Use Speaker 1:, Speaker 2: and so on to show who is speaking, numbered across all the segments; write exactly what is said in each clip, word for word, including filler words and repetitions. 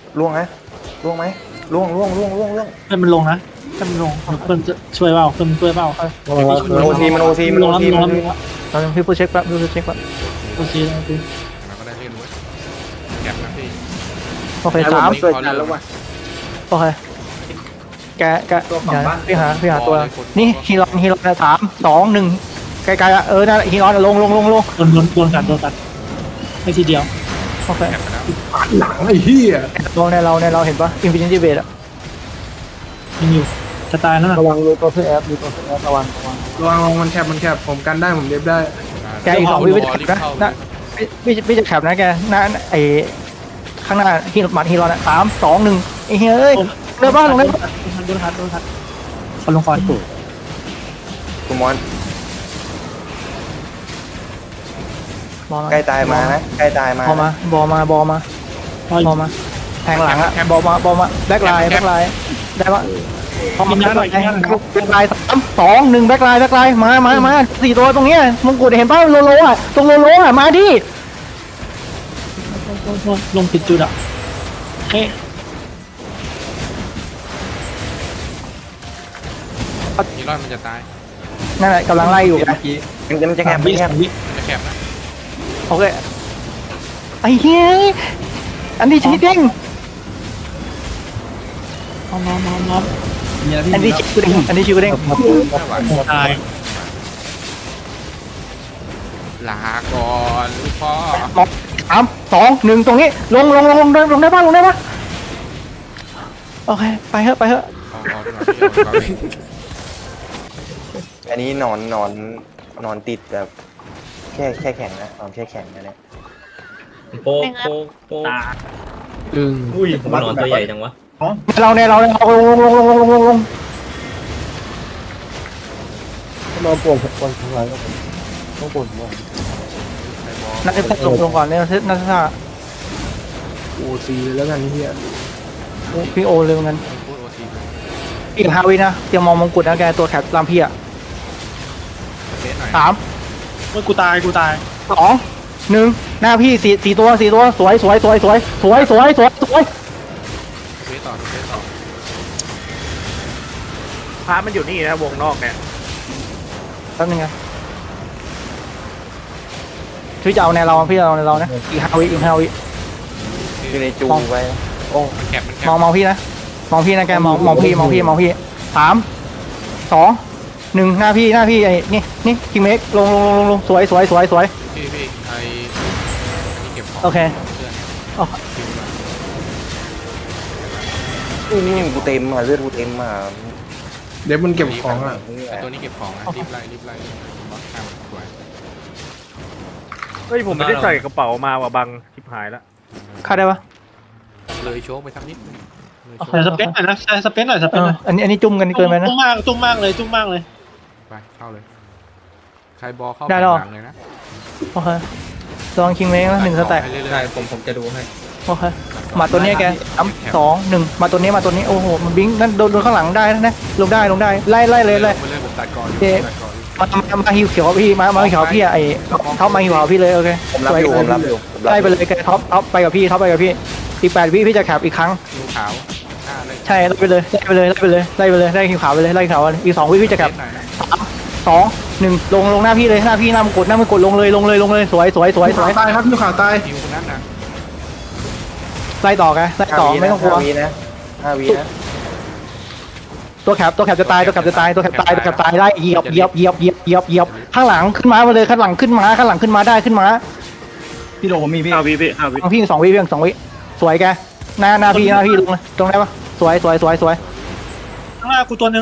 Speaker 1: ล่วงนะล่วงไหมล่วงล่วงล่วงล่วงล่วง
Speaker 2: ให้มันลงนะให้มันลงเพื่อนจะช่วยเปล่าเพื่อนช่วยเปล่า
Speaker 1: มันโอทีมันโอทีมัน
Speaker 2: ล
Speaker 1: โอง
Speaker 2: แล้ว
Speaker 1: ที
Speaker 2: ลง
Speaker 1: มัน
Speaker 2: แล้ว
Speaker 1: โอที
Speaker 2: ลงแล้ว
Speaker 3: เราพี่พูดเช็คแป๊บพี่พูดเช็คแป๊บ
Speaker 2: โอเคโอเค
Speaker 4: มันก็ได้เล่นเว้ยแก็บนะพี่
Speaker 3: โอเคสาม
Speaker 4: เกิดกันแล้วว่ะ
Speaker 3: โอเคแกแกเดี๋ยวพี่หาพี่หาตัวนี่ฮีรอนฮีรอนสามสองหนึ่งไกลๆอ่ะเออนั่นฮีรอนลงลงลงลง
Speaker 2: โดนโดนโดนกัดโดนกัดให้ทีเดียว
Speaker 3: โอเค
Speaker 4: แก็บไปแล้ว
Speaker 5: หลังไอ้เหี้ย
Speaker 3: ลงในเราในเราเห็นปะอินฟินิตี้เบสอ่ะ
Speaker 2: ยังอยู่จะตายแล้วนะ
Speaker 3: ระวังดูตัวซื้อแอปดูตัวซื้อแอประวังระวัง
Speaker 5: ระวังระวังมันแคบมันแคบผมกันได้ผมเด็บได้
Speaker 3: แกอีกสองวิวิจะแคปนะนะพี่พี่จะแคปนะแกหน้าไอข้างหน้าฮีรอนหมัดฮีรอนอ่ะสามสองหนึ่งไอ้เฮ้ยเรือบ้านลงได้ปะ
Speaker 2: โดนกัดโดนกัดคอนลงคอน
Speaker 1: คุณมอน
Speaker 3: บอลมา
Speaker 1: ใกล้ตายมานะใกล้ตายมา
Speaker 3: บอลมาบอลมาบอลมาบอลมาแทงหลังอ่ะบอลมาบอลมาแบ็คไลน์แบ็คไลน์ได้ปะพอมาแบ็คไลน์แบ็คไลน์สามสองหนึ่งแบ็คไลน์แบ็คไลน์มามามาสี่ตัวตรงเนี้ยมงกุฎเห็นป่ะโลโลอ่ะตรงโลโลอ่ะมาดิ
Speaker 2: ลงผิดจุดอ่ะเฮ้ย
Speaker 4: ฮีรอนมันจะตาย
Speaker 3: นั่นแหละกำลังไล่อยู่ไง
Speaker 1: มันจะมันจะแคบ
Speaker 2: วิ
Speaker 1: มันแคบ
Speaker 2: วิ
Speaker 4: มันจะแคบนะ
Speaker 3: โอเคไอ้เฮ้ยอันนี้ชีดิ้ง
Speaker 2: น้องน้องน้องน้อง
Speaker 3: อันนี้ชิวดิ้งอันนี้ชิวดิ้ง
Speaker 4: ไม่ไหว
Speaker 2: ตาย
Speaker 4: ลาก่อนลูกพ่อ
Speaker 3: สามสองหนึ่งตรงนี้ลงลงลงลงลงได้ป่ะลงได้ป่ะโอเคไปเถอะไปเถอะ
Speaker 4: เอาเอาดีกว่าพี่เอาดีกว่าพี่
Speaker 1: อันนี้นอนนอนนอนติดแบบแค่แค่แข็งนะนอนแค่แข็งนะเนี่ย
Speaker 6: โป๊กโป๊กโป๊ก
Speaker 5: อึ้ง
Speaker 6: อุ้ยผมนอนตัวใหญ่จังวะ
Speaker 3: เราเนี่ยเราเนี่ยลงลงลงลงลงลงลง
Speaker 5: เราปวดปวดทั้งหลายก็ต้องปวดหัว
Speaker 3: นักเตะลงลงก่อนเนี่ยนักเตะ
Speaker 5: โอซีเลยแล้วกันเหี้ย
Speaker 3: พี่โอเลยเหมือนกัน
Speaker 4: พูดโอที
Speaker 3: อีกห้าวินะเตรียมมองมงกุฎนะแกตัวแคปตามพี่อ่ะ
Speaker 4: เทสหน่อย
Speaker 3: สาม
Speaker 2: เมื่อกูตายกูตาย
Speaker 3: สองหนึ่งหน้าพี่สี่สี่ตัวสี่ตัวสวยสวยสวยสวยสวยสวยสวยสวย
Speaker 4: เทสต่อเทสต่อ
Speaker 7: พระมันอยู่นี่นะวงนอกเนี่ย
Speaker 3: แป๊บนึงนะพี่จะเอาในเราพี่จะเอาในเรานะอีกห้าวิอีกห้าวิ
Speaker 1: อยู่ในจูไปโอ้
Speaker 4: แคบมันแค
Speaker 3: มอง
Speaker 4: บ
Speaker 3: มองพี่นะมองพี่นะแกมองมองพี่มองพี่มองพี่สามสองหนึ่งหน้าพี่หน้าพี่ไอ้นี่นี่คิงเมกลงลงลงลงลงสวยสวยสวยสวย
Speaker 4: พี่พี่ไออันนี้เก็บของ
Speaker 3: โอเค
Speaker 4: เพื่อน
Speaker 3: โอ้
Speaker 1: นี่กูเต็มอ่ะเลือดกูเต็มอ่ะ
Speaker 5: เด็บมันเก็บของอ่ะ
Speaker 4: ไอตัวนี้เก็บของอ่ะรีบไล่รีบไล่บอสข้ามสวย
Speaker 7: เฮ้ยผมไม่ได้ใส่กระเป๋ามาว่ะบังชิบหายแล้ว
Speaker 3: ฆ่าได้ปะ
Speaker 4: เลยโชว์ไปสักนิดนึงเลยโชว์
Speaker 2: ใส่สเปนหน่อยนะใส่สเปนหน่อยสเป
Speaker 3: เอน
Speaker 2: ห
Speaker 3: อ
Speaker 2: น่อย
Speaker 3: อันนี้อันนี้จุ่มกันเกินไปนะ
Speaker 2: จุ้มมากจุ้มมากเลยจุ้มมากเลย
Speaker 4: ไปเข้าเลยใครบอลเข้า
Speaker 3: ได้หรอ
Speaker 4: หลังเลยนะ
Speaker 3: โอเคลองคิงเมกนะหนึ่งสแต็ก
Speaker 4: ไปเรื่อยๆ
Speaker 6: ใช่ผมผมจะดูให้
Speaker 3: โอเคมาตัวนี้แกสามสองหนึ่งมาตัวนี้มาตัวนี้โอ้โหมันบิงนั่นโดนโดนข้างหลังได้นะลงได้ลงได้ไล่ไล่เลยเลย
Speaker 4: ไปเรื่อยผมตัดก่อนอยู่
Speaker 3: เจ๊
Speaker 4: ตัดก่อนอยู่
Speaker 3: มามามาฮิวเขียวพี่มามาฮิวเขียวพี่อะไอ้ท็อปมาฮิวเขียวพี่เลยโอเค
Speaker 1: ผมรับอยู่ผมรับอยู่ผมรับ
Speaker 3: ไล่
Speaker 1: อ
Speaker 3: ไป
Speaker 1: ยู่
Speaker 3: เลยแกท็อปท็อปไปกับพี่ท็อปไปกับพี่อีกแปดวิพี่จะแคปอีกครั้ง
Speaker 4: ดูขาวหน้าเลย
Speaker 3: ใช่ไล่ไปเลยไล่ไปเลยไล่ไปเลยไล่ไปเลยไล่ฮิวขาวไปเลยไล่ฮิวขาวไปเลยอีกสองวิพี่จะแคป
Speaker 4: เทสหน่อยนะ
Speaker 3: สามสองหนึ่งลงลงหน้าพี่เลยหน้าพี่หน้ามงกดหน้ามงกดลงเลยลงเลยลงเลยสวยสวยสวยส
Speaker 5: ขา
Speaker 3: วย
Speaker 5: ตายครับพี่ขาตาย
Speaker 4: ทีมคนนั้นนะ
Speaker 3: ไล่ต่อแกไล่ต่อไม่ต้องกลัว
Speaker 1: ห้าวินะห้าวินะ
Speaker 3: ตัวแคปตัวแคปจะตายตัวแคปจะตายตัวแคปตายตัวแคปตายได้เหยียบเหยียบเหยียบเหยียบเหยียบเหยียบข้างหลังขึ้นมามาเลยข้างหลังขึ้นมาข้างหลังขึ้นมาได้ขึ้นมา
Speaker 7: พี่โดผมมีพี่ห้าวิพี่ห้าวิ
Speaker 3: เอาพี่สองวิเพียงสองวิสวยแกหน้าหน้าพี่หน้าพี่ลงเลยตรงได้ปะสวยสวยสวยสวย
Speaker 2: ข้างหน้ากูตัวหนึง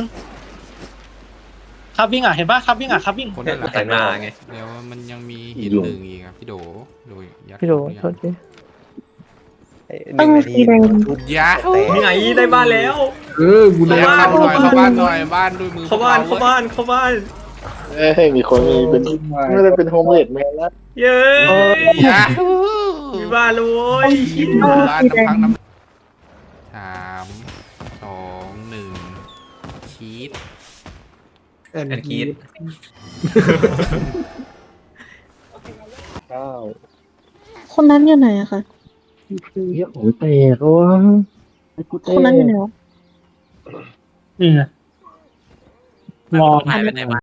Speaker 2: ครับวิ่งอ่ะเห็นปะครับวิ่งอ่ะครับวิ่ง
Speaker 4: คนนั้นแหละ
Speaker 6: แต่งหน้าไง
Speaker 4: เดี๋ยวมันยังมีหินหนึ่งอีกครับพี่โดโดยยัด
Speaker 3: พี่โด
Speaker 4: ยั
Speaker 3: โทษที
Speaker 1: หนึ่งนาทีชุด
Speaker 4: ยัด
Speaker 1: แต่
Speaker 6: มีไงได้บ้านแล้ว
Speaker 5: เออกูได้
Speaker 4: ยัดเข้าหน่อยเข้าบ้านหน่อยบ้านด้วยมือ
Speaker 6: เข้าบ้านเข้าบ้านเข้าบ้าน
Speaker 8: เอ้ยมีคนมีเป็นไม่ได้เป็นโฮมเลดแมนแล้ว
Speaker 6: เย้
Speaker 4: ยัด
Speaker 6: มีบ้านแล้วโว้ย
Speaker 4: บ้านน้ำพักน้ำสามสองหนึ่งชีส
Speaker 5: แอน
Speaker 6: แอนกีด
Speaker 8: เก้า
Speaker 9: คนนั้นอยู่ไหนอะคะ
Speaker 5: เฮียของเตะโอ้ยไอ้กูเตะ
Speaker 2: นี่ไงรอ
Speaker 9: หายไปไหนวะ